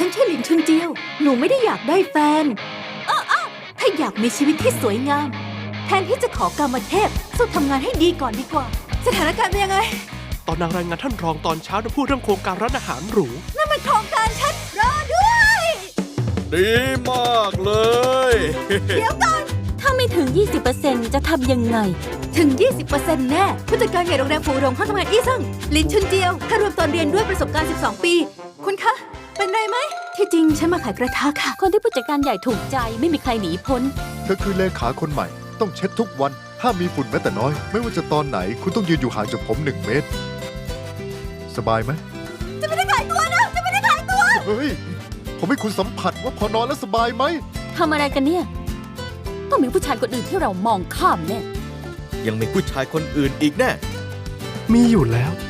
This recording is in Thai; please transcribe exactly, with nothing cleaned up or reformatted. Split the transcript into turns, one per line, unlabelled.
นชื่อหลินชุนเจียวหนูไม่ได้อยากได้แฟนอ้อถ้าอยากมีชีวิตที่สวยงามแทนที่จะขอกามเทพสู้ทำงานให้ดีก่อนดีกว่าสถานการณ์เป็นยังไง
ตอนนางรายงานท่านรองตอนเช้าได้พูดเรื่องโครงการร้านอาหารหรู
นั่นมันโครงการฉันรอด้วย
ดีมากเลย
เดี๋ยวก่อน
ถ้าไม่ถึง ยี่สิบเปอร์เซ็นต์ จะทำยังไง
ถึง ยี่สิบเปอร์เซ็นต์ แน่ผู้จัดการใหญ่โรงแรมฟูหลงเข้าทำงานอี้ซึ่งหลินชุนเจียวถ้ารวมตอนเรียนด้วยประสบการณ์สิบสองปีคุณคะเป็นไรไหมที่จริงฉันมาขายกระทะค่ะ
คนที่ผู้จัดการใหญ่ถูกใจไม่มีใครหนีพ้น
เธอคือเลขาคนใหม่ต้องเช็ดทุกวันห้ามมีฝุ่นแม้แต่น้อยไม่ว่าจะตอนไหนคุณต้องยืนอยู่ห่างจากผมหนึ่งเมตรสบายไหม
จะไม่ได้ขายตัวนะจะไม่ได้ขายตัว
เฮ้ยผมให้คุณสัมผัสว่าพอนอนแล้วสบายไหม
ทำอะไรกันเนี่ยต้องมีผู้ชายคนอื่นที่เรามองข้ามแน่
ยังมีผู้ชายคนอื่นอีกแน่
มีอยู่แล้ว